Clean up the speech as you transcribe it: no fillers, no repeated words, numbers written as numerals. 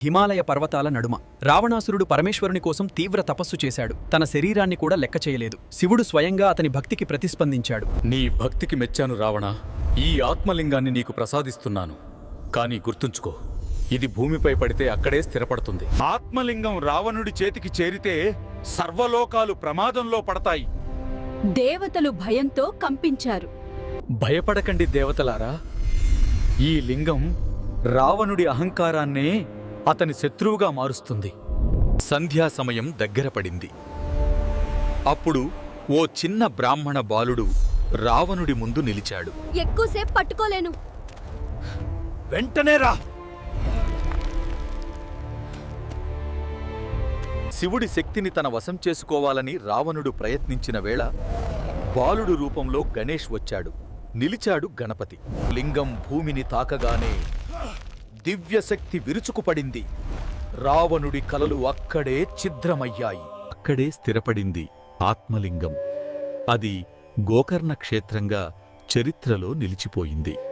హిమాలయ పర్వతాల నడుమ రావణాసురుడు పరమేశ్వరుని కోసం తీవ్ర తపస్సు చేశాడు. తన శరీరాన్ని కూడా లెక్క చేయలేదు. శివుడు స్వయంగా అతని భక్తికి ప్రతిస్పందించాడు. నీ భక్తికి మెచ్చాను రావణ. ఈ ఆత్మలింగాన్ని నీకు ప్రసాదిస్తున్నాను. కానీ గుర్తుంచుకో, ఇది భూమిపై పడితే అక్కడే స్థిరపడుతుంది. ఆత్మలింగం రావణుడి చేతికి చేరితే సర్వలోకాలు ప్రమాదంలో పడతాయి. దేవతలు భయంతో కంపించారు. భయపడకండి దేవతలారా. ఈ లింగం రావణుడి అహంకారాన్నే అతని శత్రువుగా మారుస్తుంది. సంధ్యా సమయం దగ్గర పడింది. అప్పుడు ఓ చిన్న బ్రాహ్మణ బాలుడు రావణుడి ముందు నిలిచాడు. ఎక్కువసేపు పట్టుకోలేను. వెంటనే రా. శివుడి శక్తిని తన వశం చేసుకోవాలని రావణుడు ప్రయత్నించిన వేళ బాలుడు రూపంలో గణేష్ వచ్చాడు. నిలిచాడు గణపతి. లింగం భూమిని తాకగానే దివ్యశక్తి విరుచుకుపడింది. రావణుడి కలలు అక్కడే ఛిద్రమయ్యాయి. అక్కడే స్థిరపడింది ఆత్మలింగం. అది గోకర్ణ క్షేత్రంగా చరిత్రలో నిలిచిపోయింది.